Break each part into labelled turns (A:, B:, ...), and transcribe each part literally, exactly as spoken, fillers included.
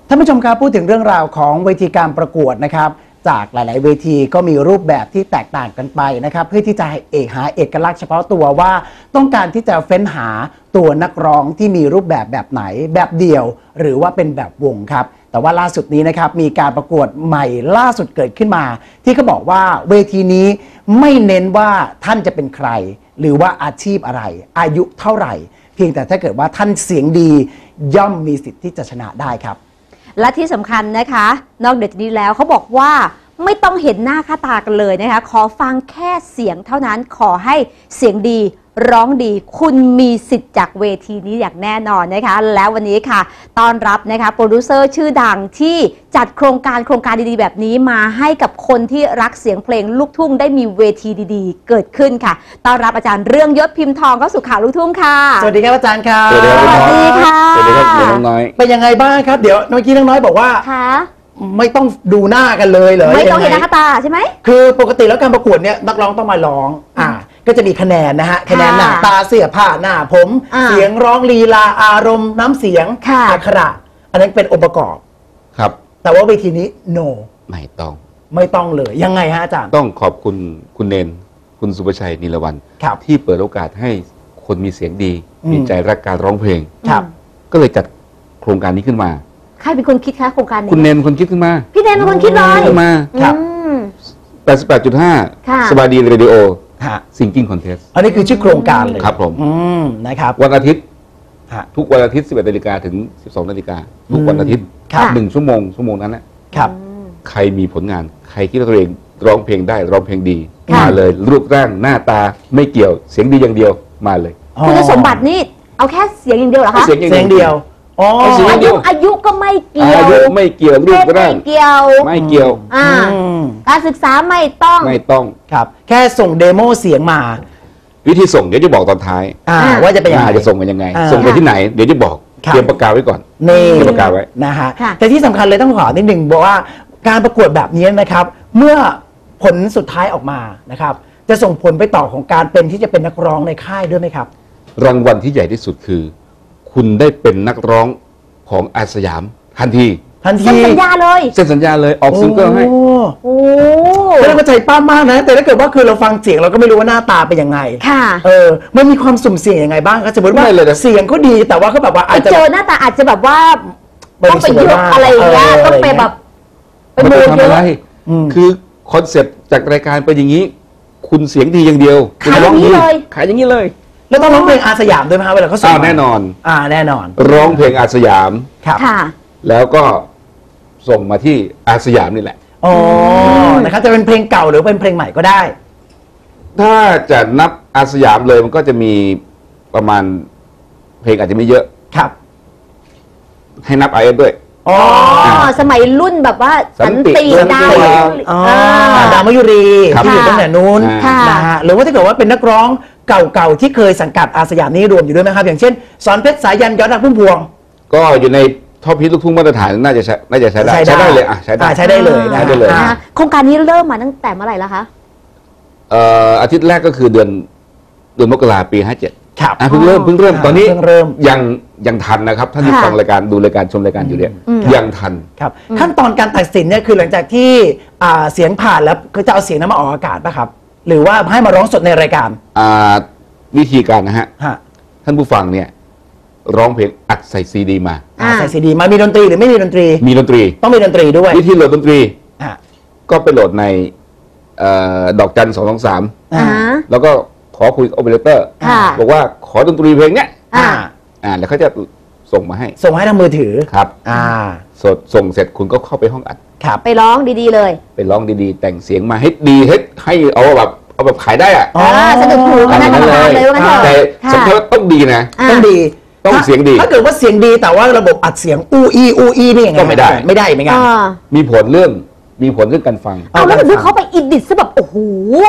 A: ท่านผู้ชมครับพูดถึงเรื่องราวของเวทีการประกวดนะครับจากหลายๆเวทีก็มีรูปแบบที่แตกต่างกันไปนะครับเพื่อที่จะเอกหาเอกลักษณ์เฉพาะตัวว่าต้องการที่จะเฟ้นหาตัวนักร้องที่มีรูปแบบแบบไหนแบบเดี่ยวหรือว่าเป็นแบบวงครับแต่ว่าล่าสุดนี้นะครับมีการประกวดใหม่ล่าสุดเกิดขึ้นมาที่เขาบอกว่าเวทีนี้ไม่เน้นว่าท่านจะเป็นใครหรือว่าอาชีพอะไรอายุเท่าไหร่เพียงแต่ถ้าเกิดว่าท่านเสียงดีย่อมมีสิทธิ์ที่จะชนะได้ครับ
B: และที่สำคัญนะคะนอกจากนี้แล้วเขาบอกว่าไม่ต้องเห็นหน้าค่าตากันเลยนะคะขอฟังแค่เสียงเท่านั้นขอให้เสียงดีร้องดีคุณมีสิทธิ์จากเวทีนี้อย่างแน่นอนนะคะแล้ววันนี้ค่ะต้อนรับนะคะโปรดิวเซอร์ชื่อดังที่จัดโครงการโครงการดีๆแบบนี้มาให้กับคนที่รักเสียงเพลงลูกทุ่งได้มีเวทีดีๆเกิดขึ้นค่ะต้อนรับอาจารย์เรื่องยศพิมพ์ทองเข้าสู่ข่าวลูกทุ่งค่ะ
A: สวัสดีครับอาจารย์ครับสวัส
B: ดีค่ะ
C: สวัสดีครับน้องน้อย
A: เป็นยังไงบ้างครับเดี๋ยวเมื่อกี้น้องน้อยบอกว่าไม่ต้องดูหน้ากันเลยเหรอ
B: ไม่ต้องเห็นหน้าค่าตาใช่ไหม
A: คือปกติแล้วการประกวดเนี่ยนักร้องต้องมาร้องอ่าก็จะมีคะแนนนะฮะคะแนนหน้าตาเสื้อผ้าหน้าผมเสียงร้องลีลาอารมณ์น้ำเสียงอักขระอันนั้นเป็นองค์ประกอบ
C: ครับ
A: แต่ว่าเวทีนี้ no
C: ไม่ต้อง
A: ไม่ต้องเลยยังไงฮะอาจารย์
C: ต้องขอบคุณคุณเนนคุณสุภชัยนิรวรรณที่เปิดโอกาสให้คนมีเสียงดีมีใจรักการร้องเพลงก็เลยจัดโครงการนี้ขึ้นมา
B: ใครเป็นคนคิดคะโครงการนี้
C: คุณเนนคนคิดขึ้นมา
B: พี่เนนเป็นคนคิดเลย
C: ขึ้นมาครับแปดสิบแปดจุดห้าสบายดีเรดิโอซิงกิ้งคอนเทสต์
A: อันนี้คือชื่อโครงการเลย
C: ครับผม
A: นะครับ
C: วันอาทิตย์ทุกวันอาทิตย์สิบเอ็ดนาฬิกาถึงสิบสองนาฬิกาทุกวันอาทิตย์หนึ่งชั่วโมงชั่วโมงนั้นแหละใครมีผลงานใครคิดว่าตัวเองร้องเพลงได้ร้องเพลงดีมาเลยรูปร่างหน้าตาไม่เกี่ยวเสียงดีอย่างเดียวมาเลย
B: คุณสมบัตินี่เอาแค่เสียงอย่างเดียวเหรอคะ
A: เสียงเดียว
B: อ๋ออายุอายุก็ไม่เกี่ยว
C: อายุไม่เกี่ยวรูปร่าง
B: ไม่เกี่ยว
C: ไม่เกี่ยว
B: อ่าการศึกษาไม่ต้อง
C: ไม่ต้อง
A: ครับแค่ส่งเดโมเสียงมา
C: วิธีส่งเดี๋ยวจะบอกตอนท้าย
A: ว่าจะเป็นยังไง
C: จะส่งกันยังไงส่งไปที่ไหนเดี๋ยวจะบอกเตรียมประกาศไว้ก่อน
A: นี่
C: เตรียมประกาศไว้
A: นะฮะแต่ที่สำคัญเลยต้องขอนิดหนึ่งบอกว่าการประกวดแบบนี้นะครับเมื่อผลสุดท้ายออกมานะครับจะส่งผลไปต่อของการเป็นที่จะเป็นนักร้องในค่ายด้วยไหมครับ
C: รางวัลที่ใหญ่ที่สุดคือคุณได้เป็นนักร้องของอาสยามทันที
A: ทันที
B: เซ็นสัญญาเลย
C: เซ็นสัญญาเลยออกซิงเกิลให้
A: โอ้ไม่ต้องใจป้ามากนะแต่ถ้าเกิดว่าคือเราฟังเสียงเราก็ไม่รู้ว่าหน้าตาเป็นยังไง
B: ค่ะ
A: เออมันมีความสุ่มเสี่ยงยังไงบ้างครับสมมติว่าเสียงก็ดีแต่ว่าเขาแบบว่าอาจจะ
B: เจอหน้าตาอาจจะแบบว่าต้องไปยกอะไรอย่างเงี้ยต้องไปแบบ
C: ไปโมเยอะคือคอนเซ็ปต์จากรายการเป็นอย่างนี้คุณเสียงดีอย่างเดียว
B: ขายอย่างนี้เลย
C: ขายอย่างนี้เลย
A: แล้วต้องร้องเพลงอาสยามด้วยไหมครับเวลาเขาส่ง
C: แน่นอน
A: อ่าแน่นอน
C: ร้องเพลงอาสยาม
A: ครับ
C: แล้วก็ส่งมาที่อาสยามนี่แหละ
A: อ๋อนะครับจะเป็นเพลงเก่าหรือเป็นเพลงใหม่ก็ได้
C: ถ้าจะนับอาสยามเลยมันก็จะมีประมาณเพลงอาจจะไม่เยอะ
A: ครับ
C: ให้นับไอเอฟด้วย
B: อ๋อสมัยรุ่นแบบว่าสันติดาว
A: ดาวมยุรีที่อยู่ตั้งแต่นู้นนะฮะหรือว่าถ้าเกิดว่าเป็นนักร้องเก่าๆที่เคยสังกัดอาสยามนี้รวมอยู่ด้วยไหมครับอย่างเช่นสอนเพชรสายันยอดรักพุ่มพวง
C: ก็อยู่ในท็อปฮิตลูกทุ่งมาตรฐานน่าจะใช้น่าจะใช้ได้ใช้ได้เลยอ่ะใช้ได้
A: ใช้ได้เลย
C: ใช้ได้เลย
B: โครงการนี้เริ่มมาตั้งแต่เมื่อไหร่แล้วคะ
C: เอ่ออาทิตย์แรกก็คือเดือนเดือนมกราปีห้าเจ็ด
A: ครับ
C: เพิ่งเริ่มเพิ่งเริ่มตอนนี้ยังยังทันนะครับท่านที่ฟังรายการดูรายการชมรายการอยู่เนี่ยยังทัน
A: ครับขั้นตอนการตัดสินเนี่ยคือหลังจากที่เสียงผ่านแล้วก็จะเอาเสียงนั้นมาออกอากาศป่ะครับหรือว่าให้มาร้องสดในรายการ
C: วิธีการนะฮะท่านผู้ฟังเนี่ยร้องเพลงอัดใส่ซีดีมา
A: ใส่ซีดีมามีดนตรีหรือไม่มีดนตรี
C: มีดนตรี
A: ต้องมีดนตรีด้วย
C: วิธีโหลดดนตรีก็ไปโหลดในดอกจันสองสองสามแล้วก็ขอคุยกับโอเปอเรเตอร์บอกว่าขอดนตรีเพลงเนี้ยแล้วเขาจะส่งมาให้
A: ส่งให้ทางมือถือ
C: ครับสดส่งเสร็จคุณก็เข้าไปห้องอัด
B: ไปร้องดีๆเลย
C: ไปร้องดีๆแต่งเสียงมาให้ดีให้ให้เอาแบบเอาแบบขายได้อะ
B: สนุกหูกันได้เลย
C: แต่สำคัญต้องดีนะ
A: ต้องดี
C: ต้องเสียงดี
A: ถ้าเกิดว่าเสียงดีแต่ว่าระบบอัดเสียงอูอีอูอีนี่ยังไง
C: ก็ไม่ได้
A: ไม่ได้ไม่งั้น
C: มีผลเรื่องมีผลเรื่องการฟัง
B: เอาแล้วดูเขาไปอิดิทซะแบบโอ้โห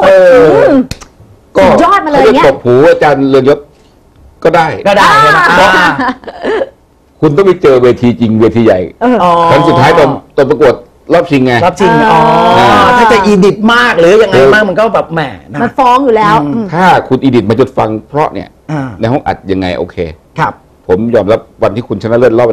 B: ก็ยอดมาเลยเนี่ย
C: ตบหูอาจารย์เรืองยศก็ได้
A: ก็ได้
C: คุณต้องไปเจอเวทีจริงเวทีใหญ่ครั้งสุดท้ายตอนตอนประกวดรอบชิงไง
A: รอบชิงอ๋อถ้าจะอีดิทมากหรือยังไงมากมันก็แบบแหม
B: มันฟ้องอยู่แล้ว
C: ถ้าคุณอีดิทมาจนฟังเพราะเนี่ยในห้องอัดยังไงโอเค
A: ครับ
C: ผมยอมรับวันที่คุณชนะเลิศรอบอาทิตย์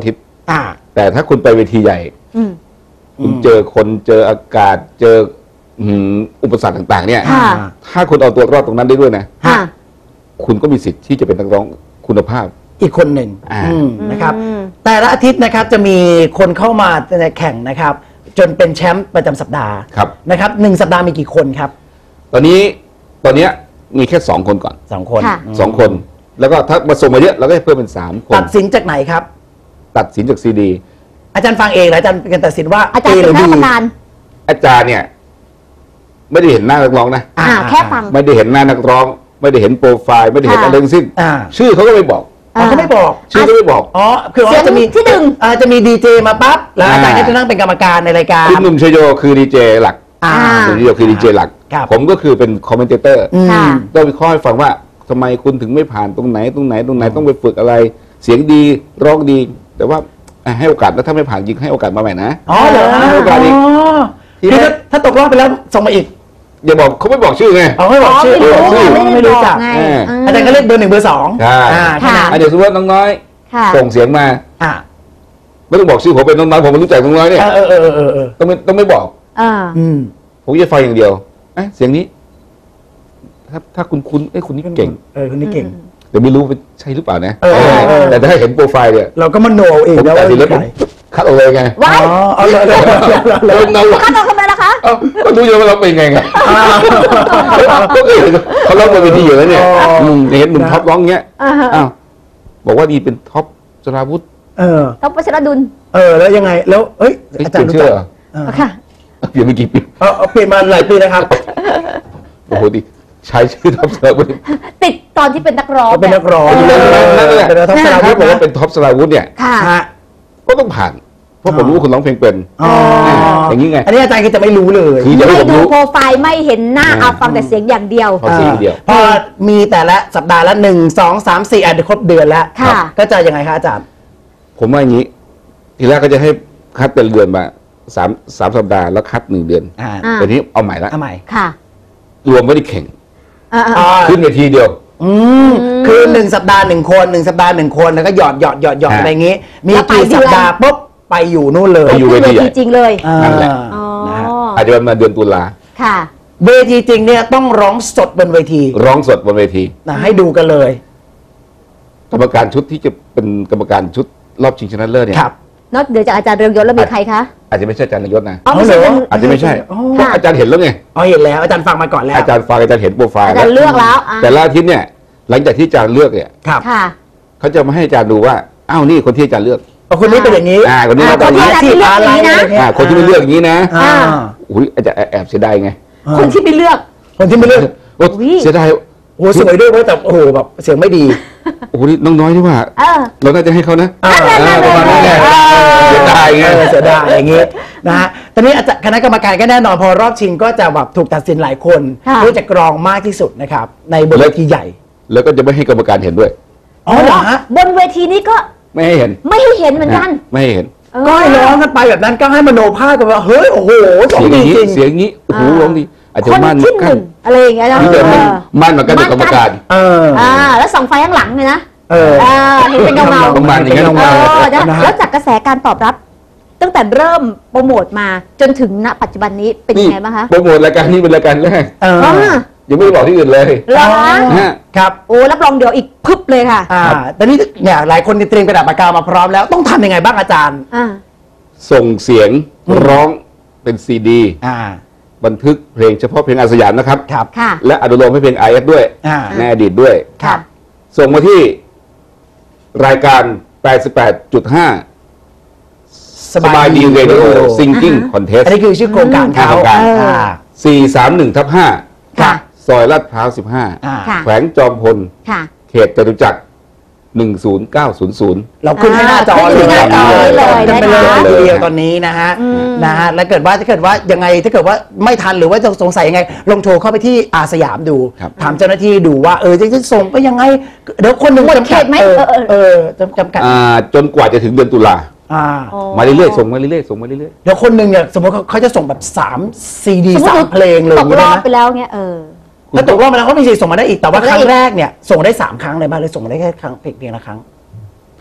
A: อ่า
C: แต่ถ้าคุณไปเวทีใหญ่
B: อืม
C: คุณเจอคนเจออากาศเจออืมอุปสรรคต่างๆ เนี่ย
B: ค่ะ
C: ถ้าคุณเอาตัวรอดตรงนั้นได้ด้วยนะ
B: ค่ะ
C: คุณก็มีสิทธิ์ที่จะเป็นนักร้องคุณภาพ
A: อีกคนหนึ่ง
C: อ่า
A: อืมนะครับ
B: อืม
A: แต่ละอาทิตย์นะครับจะมีคนเข้ามาในแข่งนะครับ จนเป็นแชมป์ประจำสัปดาห์
C: ครับ
A: นะครับหนึ่งสัปดาห์มีกี่คนครับ
C: ตอนนี้ตอนเนี้ยมีแค่สองคนก่อน
A: สองคน
B: ค่ะ
C: สองคน แล้วก็ถ้ามาส่งมาเยอะเราก็จะเพิ่มเป็นสามคน
A: ตัดสินจากไหนครับ
C: ตัดสินจากซีดี
A: อาจารย์ฟังเองหรืออาจารย์เป็นการตัดสินว่า
B: อาจารย์
A: ห
B: เป็
A: รื
B: น
A: อ
B: คณะ
A: ดี
B: กรรมการ
C: อาจารย์เนี่ย ไม่ได้เห็นหน้านักร้องนะ
B: อ่าแค่ฟัง
C: ไม่ได้เห็นหน้านักร้อง ไม่ได้เห็นโปรไฟล์ไม่ได้เห็น
B: ค่ะ
C: อะไรทั้งสิ้น
A: อ่า
C: ชื่อเขาก็ไม่บอก
A: อ๋อเขาไม่บอก
C: ชื่อก็ไม่บอก
A: อ๋อคือว่า
B: เสียง
A: จะมี
B: ที่หนึ่ง
A: อ่าจะมีดีเจมาปั๊บแล้วอาจารย์
C: อ่า
A: ก็จะนั่งเป็นกรรมการในรายการ
C: คุณหนุ่มชโยคือดีเจหลัก
A: อ่า
C: คุณชโยคือดีเจหลัก
A: ครับ
C: ผมก็คือเป็นคอมเมนเตอร์
A: อืม
B: ค่ะ
C: ต้องวิเคราะห์ให้ฟังว่าทำไมคุณถึงไม่ผ่านตรงไหนตรงไหนตรงไหนต้องไปฝึกอะไร เสียงดีร้องดี แต่ว่าอ่ะให้โอกาสแล้วถ้าไม่ผ่านจริงให้โอกาสมาใหม่นะ
A: อ๋อเหรอ
C: ให้โอกาสอีก ที
A: คือ
C: แร
A: ถ้าก ถ้าตกรอบไปแล้วส่งมาอีก
C: อย่าบอกเขาไม่บอกชื่อไง
A: อ๋อไม่บอกชื่อ
B: ไม่รู้
A: ชื่อ
B: ไง
A: ไม่
B: ไม่ได้
A: รู้
B: บอ
A: จั
B: ก
A: ก
B: ไง
C: เออ
B: ม
A: อาจารย์ก็เลือกเบอร์หนึ่งเบอร์สอง
C: ใช่
A: อ่าแค่นั้น
C: อ่ะเดี๋ยวสมมติว่าน้องน้อย
B: ค่ะ
C: ส่งเสียงมา
A: อ่า
C: ไม่ต้องบอกชื่อผมเป็นน้องน้อยผมไม่รู้จักน้องน้อยเนี่ย
A: เออเออเออเออเออ
C: ต้องไม่ต้องไม่บอก
B: อ่า
A: อืม
C: ผมจะฟังอย่างเดียวเอ๊ะเสียงนี้ ถ้าถ้าคุณคุณเอ้ยคุณนี่เก่ง
A: เออคนนี้เก่ง
C: แต่ไม่รู้เป็นใช่หรือเปล่านะ
A: เออเออเออ
C: แต่ถ้าเห็นโปรไฟล์เนี่ย
A: เราก็มโนเอง
C: ผม
A: แล้ว
C: ตัด
A: ว่า
C: สินแล้วผม
A: ใคร
C: คัดออกเลยไง
B: ว้าย
A: อ๋อเอาเลยเลยเลยเลย
C: แล้วน้อง
B: ขั้นตอนทำไมล่ะคะ
C: เอ้าก็ดูอยู่ว่าเราเป็นไงไงก็เห็นเขาร้องบนเวทีอยู่แล้วเนี่ยอืมเห็นหนุ่มท็อปร้องเงี้ย
B: อ่าฮะ
C: อ้าวบอกว่าดีเป็นท็อปสราวุธ
A: เออ
B: ต้องประชรดุล
A: เออแล้วยังไงแล้วเอ้ย
C: เฮ้ย
A: อา
C: เป
A: จาร
C: ลี่ย
A: ย์
C: น
A: รู้
C: ชื่อ
A: จัก
C: เหรอ
A: เออ
B: ค่ะ
C: เปลี่ยนไปกี่ปี
A: เอาเอาเปลี่ยนมาหลายปีนะครับ
C: โอ้โหดิใช้ชื่อท็อปสราวุธ
B: ติดตอนที่เป็นนักร้อง
A: เขาเป็นนักร้อง
B: เ
C: นั่นแหละ
A: เป็นนักร้องสลาวุ
C: ถ้า
A: ธ
C: บอกว่า
A: นะ
C: เป็นท็อปสราวุธเนี่ย
B: ค่ะ
A: ฮะ
C: ก็ต้องผ่าน เพราะผมรู้ว่าคุณร้องเพลงเป็น
A: อ๋ออย่าง
C: นี้ไง
A: อันนี้อาจารย์ก็จะไม่รู้เลย
C: คือจะให้
B: ไม่
C: ผม
B: ดู
C: รู้
B: โปรไฟล์ไม่เห็นหน้า
C: อ่า
B: เอาฟังแต่เสียงอย่างเดียว
C: พอเสียงเดียว
A: พอมีแต่ละสัปดาห์ละหนึ่งสองสามสี่อ่ะเดี๋ยวครบเดือนแล้ว
B: ค่ะ
A: ก็จะยังไงคะอาจารย์
C: ผมว่าอย่างนี้ ทีแรกก็จะให้คัดเป็นเดือนมาสามสามสัปดาห์แล้วคัดหนึ่งเดือน
A: อ่า
B: อ่า
C: แต่นี้เอาใหม่ละ
A: เอาใหม่
B: ค่ะ
C: รวมไม่ได้แข่ง
B: อ่า
A: อ่า
C: ขึ้นเวทีเดียว
A: อืมคือหนึ่งสัปดาห์หนึ่งคนหนึ่งสัปดาห์หนึ่งคนแล้วก็หยอดหยอดหยอดหยอด
C: ฮะ
A: อะไรอย่างงี้ มี
B: แล้วไป
A: กี่
B: เดือน
A: สัปดาห์ปุ๊บไปอยู่นู่นเลย
C: ไปอยู่
B: ขึ้นเว
C: เวทีใหญ่
B: ทีจริงเลย
A: อ่า
C: นั่นแหละ
B: อ๋อ
A: นะฮะ
C: อาจจะมาเดือนตุลา
B: ค่ะ
A: เวทีจริงเนี่ยต้องร้องสดบนเวที
C: ร้องสดบนเวที
A: นะให้ดูกันเลย
C: กรรมการชุดที่จะเป็นกรรมการชุดรอบชิงชนะเลิศเนี่ย
A: ครับ
B: นอกเหนือจากอาจารย์เรืองยศแล้วมีใครคะ
C: อาจจะไม่ใช่อาจารย์นายศนะ
B: อ๋อไม่ใช่
A: เอาเหรอ
C: อาจจะไม่ใช่
A: อ๋อ
C: เพราะอาจารย์เห็นแล้วไง
A: อ๋อเห็นแล้วอาจารย์ฟังมาก่อนแล้ว
C: อาจารย์ฟังอาจารย์เห็นโปรไฟล์
B: อาจารย์เลือกแล้วอ่ะ
C: แต่ละอาทิตย์เนี่ย หลังจากที่อาจารย์เลือกเนี่ย
A: ครับ
B: ค่ะ
C: เขาจะมาให้อาจารย์ดูว่าอ้าวนี่คนที่อาจารย์เลือก
A: เอาคนนี้เป็นอย่างนี้
C: อ่าคนนี้
B: อ่า
C: มาตอนนี้
B: คนที่อาจารย์เลือกอย่างนี้นะ
C: อ่าคนที่ไม่เลือกอย่างนี้นะ
A: อ่า
C: อุ้ยอาจารย์แอบเสียดายไง
B: คนที่ไปเลือก
A: คนที่ไม่เลือก
C: โอ้
B: อุ๊ย
C: เสียดาย
A: โอ้โหสวยด้วยเว้ยแต่โอ้โหแบบเสียงไม่ดี
C: โอ้โหนี่น้องน้อยที่ว่า
B: เออ
C: เราน่าจะให้เขานะ
A: อ่า
C: อ่าประมาณนั้นไง
B: เออ
C: เสียดายไง
A: เออเสียดายอย่างงี้นะฮะตอนนี้อาจารย์คณะกรรมการก็แน่นอนพอรอบชิงก็จะแบบถูกตัดสินหลายคน
B: ค่ะ
A: เพื่อจะกรองมากที่สุดนะครับในบนเวทีใหญ่
C: แล้วก็จะไม่ให้กรรมการเห็นด้วย
A: อ๋อเหรอฮะ
B: บนเวทีนี้ก็
C: ไม่ให้เห็น
B: ไม่ให้เห็นเหมือนกัน
C: ไม่ให้เห็น
B: เออ
A: ก็ให้ร้องกันไปแบบนั้นก็ให้มโนภาพกันว่าเฮ้ยโอ้โหสอง
C: เสียงอ
A: ดี
C: ย่างนี้
A: จริง
C: เสียงอย่างนี้โอ้โห
B: อ่า
C: ร้องดีอาจจะ
B: คน
C: มั่น
B: ที่ห
C: กั
B: นึ่
C: น
B: งอะไรอย่างเงี้ยนะ
C: นี่เดิน
B: เออ
C: มั่นเหมือนกันกับกรรมการ
A: เออ
B: อ่าแล้วส่องไฟข้างหลังเลยนะ
A: เออ
B: เออเห็นเป็นเงาเงา
C: ประมาณอย่างนั้น
B: เออนะ
A: นะฮะ
B: แล้วจากกระแสการตอบรับ ตั้งแต่เริ่มโปรโมทมาจนถึงณปัจจุบันนี้เป็นยังไงบ้างคะ
C: โปรโมทรายการนี้เป็นรายการแรก
A: เออ
B: อ่า
C: ยังไม่ได้บอกที่อื่นเลย
B: เหรอคะ
C: นะฮะ
A: ครับ
B: โอ้รับรองเดี๋ยวอีกพึบเลยค่ะ
A: อ่าตอนนี้เนี่ยหลายคนเตรียมกระดาษปากกามาพร้อมแล้วต้องทำยังไงบ้างอาจารย์
B: อ่า
C: ส่งเสียง
A: อืม
C: ร้องเป็นซีดี
A: อ่า
C: บันทึกเพลงเฉพาะเพลงอาสยามนะครับ
A: ครับ
B: ค่ะ
C: และอนุโลมให้เพลง ไอ เอส ด้วย
A: อ่า
C: ในอดีตด้วย
A: ครับ
C: ส่งมาที่รายการ แปดสิบแปดจุดห้า สบายดีเรดิโอซิงกิ้งคอนเทส
A: อันนี้คือชื่อโครงการเขา
C: โครงการ
A: อ่า
C: สี่สามหนึ่งทับห้า
B: ค่ะ
C: ซอยลาดพร้าวสิบห้า
A: อ่า
B: ค่ะ
C: แขวงจอมพล
B: ค่ะ
C: เขตจตุจักรหนึ่งศูนย์เก้าศูนย์ศูนย์
A: เราขึ้นให้หน้าจอ
B: ขึ้นที่หน้าจอ
A: เลย
B: เลย
A: กันไปเลย
B: นะคะ
A: ทีเดียวตอนนี้นะฮะ
B: อืม
A: นะฮะแล้วเกิดว่าถ้าเกิดว่ายังไงถ้าเกิดว่าไม่ทันหรือว่าจะสงสัยยังไง ลองโทรเข้าไปที่อาสยามดู
C: ครับ
A: ถามเจ้าหน้าที่ดูว่าเออจะจะส่งไปยังไงเดี๋ยวคนหนึ่ง
B: หมด
A: จำกัด
B: เขตไหม
A: เออ
B: เออเออ
A: เออจำจำกัด
C: อ่าจนกว่าจะถึงเดือนตุลา
A: อ่า
B: อ๋อ
C: มาเรื่อยๆส่งมาเรื่อยๆส่งมาเรื่อย
A: เดี๋ยวคนหนึ่งเนี่ยสมมติเขาเขาจะส่งแบบสามซีดี
B: สมมติ
A: สามเพลงเลย
B: ตกรอบ
A: นะ
B: ไปแล้วเงี้ยเออ
A: ถ้าตกรอบมาแล้วก็มีสิทธิ์ส่งมาได้อีกแต่ว่า
B: ส่ง
A: ค
B: ได้
A: รั้ง
B: อีก
A: แรกเนี่ยส่งได้สามครั้งเลยบ้างหรือส่งมาได้แค่ครั้งเพียงละครั้ง
C: ๆเพ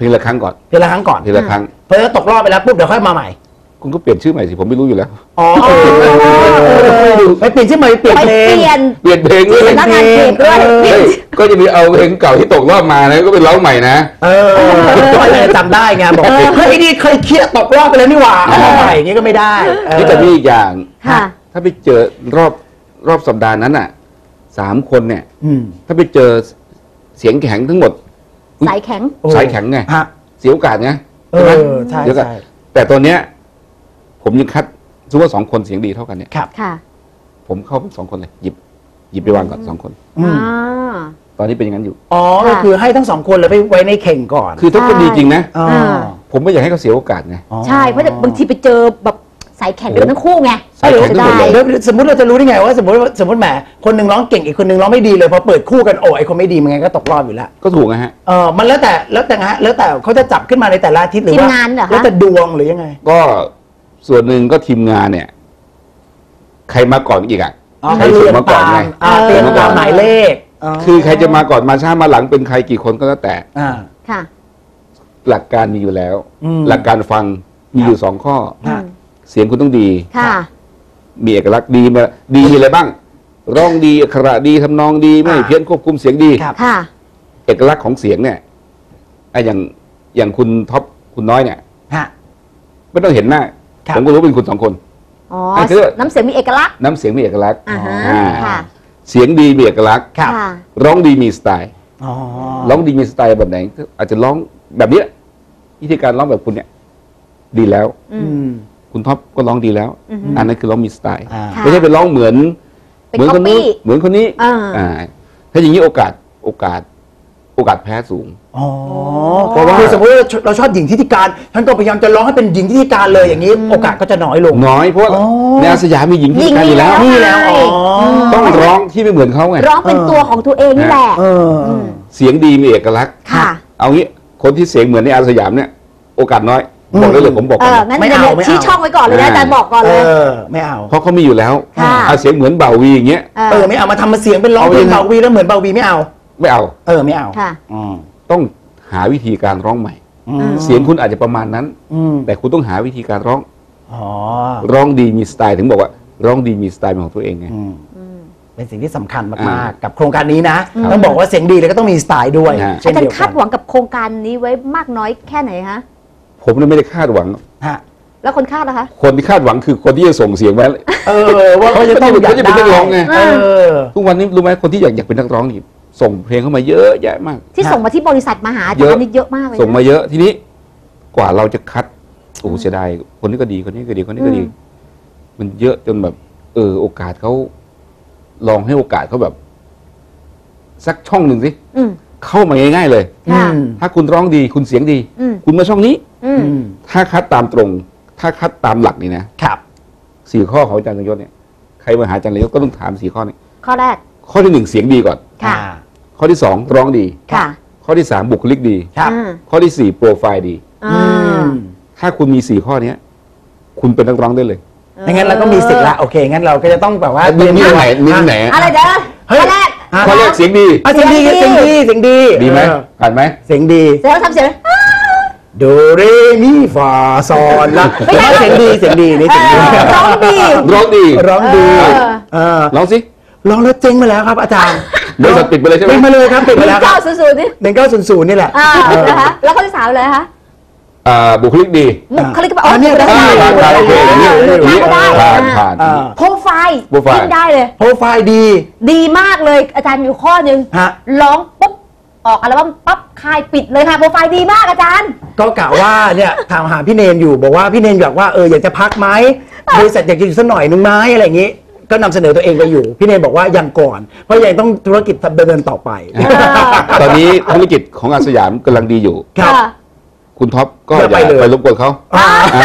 C: เพลงละครั้งก่อน
A: เพลงละครั้งก่อน
C: เพลงละครั้ง
A: เพราะถ้าตกรอบไปแล้วปุ๊บเดี๋ยวค่อยมาใหม่
C: คุณก็เปลี่ยนชื่อใหม่สิผมไม่รู้อยู่แล้ว
A: อ๋อเออไปเปลี่ยนชื่อใหม่เปลี่ยน
B: ไป
A: เพล
B: เป
A: ง
B: ลี่ยน
C: เปลี่ยนเพลงเล
B: ที่
C: ย
B: สำนักงานเขตด้วย
A: เออ
C: เฮ้ยก็จะมีเอาเพลงเก่าที่ตกรอบมานะก็เป็นร้องใหม่นะ
A: เออก็เลยจำได้ไงบอกเฮ้ยไอ้นี่เคยเคลียร์ตกรอบไปแล้วนี่หว่าเอามาใหม่อย่างงี้ก็ไม่ได้เออ
C: นี่แต่มีอีกอย่าง
B: ค่ะ
C: ถ้าไปเจอรอบรอบสัปดาห์นั้นอ่ะสามคนเนี่ย
A: อืม
C: ถ้าไปเจอเสียงแข็งทั้งหมด
B: สายแข็ง
A: โอ้
C: สายแข็งไง
A: ฮะ
C: เสียโอกาสไง
A: เอ
C: ใช่ไหม
A: อใช่
C: เดี๋ยวก่อน
A: ใช่
C: แต่ตอนเนี้ยผมยังคัดสมมติว่าสองคนเสียงดีเท่ากันเนี่ย
A: ครับ
B: ค่ะ
C: ผมเข้าเป็นสองคนเลยหยิบหยิบไปวางก่อนสองคน
A: อืม
B: อ่า
C: ตอนนี้เป็นอย่างนั้นอยู่
A: อ๋อก็คือให้ทั้งสองคนเลยไปไว้ในเข่งก่อน
C: คือถ้าคนดีจริงนะ
A: อ๋อ
C: ผมไม่อยากให้เขาเสียโอกาสไง
A: อ๋อ
B: ใช่เพราะบางทีไปเจอแบบสายแข็งกันทั้งคู่ไง
C: สายแข็งทั้งหมดเลย
A: เดี๋ยวสมมติเราจะรู้ได้ไงว่าสมมติว่าสมมติแหมคนหนึ่งร้องเก่งอีกคนหนึ่งร้องไม่ดีเลยพอเปิดคู่กันโอ้ไอคนไม่ดีมันไงก็ตกรอบอยู่แล้ว
C: ก็ถูกนะฮะ
A: เออมันแล้วแต่แล้วแต่ฮะแล้วแต่เขาจะจับขึ้นมาในแต่ละอาทิตย์หรือว่า
B: ทีมงานเหรอคะ
A: แล้วแต่ดวงหรือยังไง
C: ก็ส่วนหนึ่งก็ทีมงานเนี่ย ใครมาก่อนอีกอ่ะ
A: อ๋อ
C: ใครส่งมาก่อนไง
A: อ่า
B: เออ
A: เรียงตามหมายเลข
C: คือใครจะมาก่อนมาช้ามาหลังเป็นใครกี่คนก็แล้วแต่
A: อ่า
B: ค่ะ
C: หลักการมีอยู่แล้ว
A: อืม
C: หลักการฟังมีอยู่สองข้อ
A: ฮะ
C: เสียงคุณต้องดี
B: ค่ะ
C: มีเอกลักษณ์ดีมาดีมีอะไรบ้าง ร้องดีอักขระดีทำนองดีไม่
A: อ่า
C: เพี้ยนควบคุมเสียงดี
A: ครับ
B: ค่ะ
C: เอกลักษณ์ของเสียงเนี่ยไอ้อย่างอย่างคุณท็อปคุณน้อยเนี่ย
A: ฮะ
C: ไม่ต้องเห็นหน้า
A: ครับ
C: ผมก็รู้เป็นคุณสองคน
B: อ๋อ
C: อ่ะคือ
B: น้ำเสียงมีเอกลักษณ์
C: น้ำเสียงมีเอกลักษณ์
B: อ่าฮะ
C: อ่า
B: ค่ะ
C: เสียงดีมีเอกลักษณ์
A: ครับ
B: ค่ะ
C: ร้องดีมีสไตล์
A: อ๋อ
C: ร้องดีมีสไตล์แบบไหนก็อาจจะร้องแบบเนี้ยวิธีการร้องแบบคุณเนี่ย ดีแล้ว
B: อื
A: อื
B: ม
A: ม
C: คุณท็อปก็ร้องดีแล้ว
B: อือฮึ
C: อันนั้นคือร้องมีสไตล์
A: อ่า
B: ค่ะ
C: ไม่ใช่ไปร้องเหมือน
B: เป็น
C: เหมือนคนนู้น
B: copy
C: เหมือนคนนี้
B: อ่า
C: อ่าถ้าอย่างนี้โอกาสโอกาส โอกาสแพ้สูง
A: อ๋อ
C: เพราะว่า
A: คือสมมติว่าเราชอบหญิงทิติการท่านก็พยายามจะร้องให้เป็นหญิงทิติการเลยอย่างนี้ โอกาสก็จะน้อยลง
C: น้อยเพราะว่า
A: อ๋อ
C: ในอาสยามมีหญิงที่การอยู่แล้ว
B: หญิง
A: นี่แล้วอ๋อ
C: ต้องร้องที่ไม่เหมือนเขาไง
B: ร้องเป็นตัวของตัวเองนี่แหละ
A: เออ
B: ม
C: เสียงดีมีเอกลักษณ์
B: ค่ะ
C: เอางี้คนที่เสียงเหมือนในอาสยามเนี่ย โอกาสน้อย บอกได้เลยผมบอก
B: เอ
C: ก่อน
B: อ
C: นะ
B: งั้น
A: ไม่
B: เดี๋ยว
A: เอา
B: เนี่ย
A: ไม่เอา
B: ชี้ช่องไว้ก่อนเลยนะอาจารย์บอกก่อน
A: เอ
B: เลย
A: อไม่เอา
C: เพราะเขามีอยู่แล้ว
B: ค่ะ
C: เอาเสียงเหมือนเบาวีอย่างเงี้ย
B: เอ
A: เอ
B: อ
A: อไม่เอามาทำมาเสียงเป็นร้อง
C: เอา
A: เพลง
C: ยังไง
A: เบาวีแล้วเหมือนเบาวีไม่เอา
C: ไม่เอา
A: เออไม่เอา
B: ค่ะ
A: อืม
C: ต้องหาวิธีการร้องใหม่
A: อืม
C: เสียงคุณอาจจะประมาณนั้น
A: อืม
C: แต่คุณต้องหาวิธีการร้อง
A: อ๋อ
C: ร้องดีมีสไตล์ถึงบอกว่า ร้องดีมีสไตล์เป็นของตัวเองไง
A: อืม
B: อืม
A: เป็นสิ่งที่สำคัญ
C: อ่าม
A: ากๆกับโครงการนี้นะ
B: ครับ
A: ต้องบอกว่าเสียงดีแล้วก็ต้องมีสไตล์ด้วย
C: ฮะ
A: เช่
B: อาน จาร
A: เดียว
B: ย์
A: กั
B: คาดหวังกับโครงการนี้ไว้มากน้อยแค่ไหนคะ
C: ผมเนี่ยไม่ได้คาดหวัง
A: ฮะ
B: แล้วคนคาดล่ะคะ
C: คนที่คาดหวังคือคนที่จะส่งเสียงไว้
A: เออว่าเขาจะต้อง
C: เขาจะเป็นนักร้องไง
A: เออ
C: ทุกวันนี้รู้ไหมคนที่อยากอยากเป็นนักร้องนี่ส่งเพลงเข้ามาเยอะแยะมาก
B: ที่
A: ฮะ
B: ส่งมาที่บริษัทมาหาอา
C: เย
B: จาร
C: อะ
B: ย์นี่เยอะมากเลยนะ
C: ส่งมาเยอะทีนี้กว่าเราจะคัดโอ้โหเสียดายคนนี้ก็ดีคนนี้ก็ดีคนนี้ก็ดี
B: อืม
C: มันเยอะจนแบบ เออ โอกาสเขาลองให้โอกาสเขาแบบ สักช่องหนึ่งสิ
B: อืม
C: เข้ามาง่ายๆเลย
B: ค่ะ
A: อืม
C: ถ้าคุณร้องดีคุณเสียงดี
B: อืม
C: คุณมาช่องนี้
B: อืม
A: อืม
C: ถ้าคัดตามตรง ถ้าคัดตามหลักนี่นะครับ สี่ข้อของอาจารย์นยศเนี่ยใครมาหาอาจารย์นยศก็ต้องถามสี่ข้อนี้
B: ข้อแรก
C: ข้อที่หนึ่งเสียงดีก่อน
B: ค่ะ
A: อ่า
C: ข้อที่สองร้องดี
B: ค่ะ
C: ข้อที่สามบุคลิกดี
A: ครับ
B: อ่า
C: ข้อที่สี่โปรไฟล์ดี
B: อ่า
A: อืม
C: ถ้าคุณมีสี่ข้อเนี้ย คุณเป็นนักร้องได้เลย
A: ไม่งั้นเราก็มีสิทธิ์ละโอเคงั้นเราก็จะต้องแบบว่า
C: มีมีอันไหนมีอันไหน
B: อะไรเด้อ
A: เฮ้ย
B: ข้อแรก
A: อ่ะ
C: ข้อแรกเสียงดี
A: อ่ะเสียงดี
B: เสี
A: เสี
B: ย
A: ย
B: ง
A: ง
B: ดี
A: ดีเสียงดี
C: ดีไหม
A: เออ
C: ผ่านไหม
A: เสียงดี
B: เสียงทำเสียง
A: โดเรมีฟาซอนละ
B: ไม่ใช่
A: เสียงดีเสียงดีนี่
B: เอ
A: เสียงดี
B: อร้องดี
C: ร้องดี
A: ร้องดี
B: เออ
A: เออ
C: ร้องสิ
A: ร้องแล้วเจ๊งมาแล้วครับ อาจารย์
C: บริษัทปิดไปเลยใช่ไหม
A: ปิดมาเลยครับปิด
B: ห
A: มา
B: นึ่
A: แล้ว
B: ง
A: ครั
B: เก้า
A: บ
B: ศูนย์ศูนย์นี่
A: หนึ่งเก้าศูนย์ศูนย์นี่แหละ
B: อ่านะคะแล้วข้อที่สามเลยคะ
C: อ่าบุคลิกดี
B: บุคลิกภาพ
A: อ่าเนี่ย
B: ได้
A: ได้
B: ได้
C: ผ่านผ่านโอเคอย่างนี้อย่างนี้
B: ก็ได้
C: ผ่านผ่าน
A: อ่า
B: โปรไฟล์
C: โปรไฟล์
B: ยิ่งได้เลย
A: โปรไฟล์ดี
B: ดีมากเลยอาจารย์อยู่ข้อหนึ่ง
A: ฮะ
B: ร้องปุ๊บออกอัลบั้มปั๊บคายปิดเลยค่ะโปรไฟล์ดีมากอาจารย์
A: ก็กะว่าเนี่ยถามหาพี่เนนอยู่บอกว่าพี่เนนอยากว่าเอออยากจะพักไหมบริษัทอยากจะอยู่สักหน่อยนึงไหมอะไรอย่างนี้ ก็นำเสนอตัวเองไปอยู่ พี่เนนบอกว่ายังก่อน เพราะยังต้องธุรกิจดำเนินต่อไป
C: ตอนนี้ธุรกิจของอาสยามกำลังดีอยู่
A: ครับ
B: ค่ะ
C: คุณท็อปก็
A: อย่า
C: อย่า
A: ไปเลย
C: ไปรบกวนเขา
A: อ่า
C: อ่า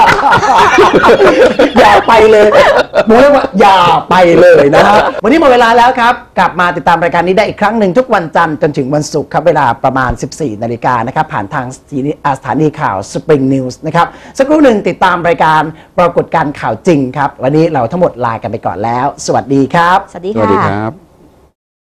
A: อย่าไปเลยผมเรียกว่าอย่าไปเลยนะครับวันนี้หมดเวลาแล้วครับ กลับมาติดตามรายการนี้ได้อีกครั้งหนึ่งทุกวันจันทร์จนถึงวันศุกร์ครับเวลาประมาณ สิบสี่นาฬิกานะครับผ่านทางสถานีอ่าสถานีข่าว Spring News นะครับสักครู่หนึ่งติดตามรายการปรากฏการณ์ข่าวจริงครับวันนี้เราทั้งหมดลากันไปก่อนแล้ว สวัสดีครับ
B: สวัสดี
C: สวัสดี
B: ค่ะ
C: ครับ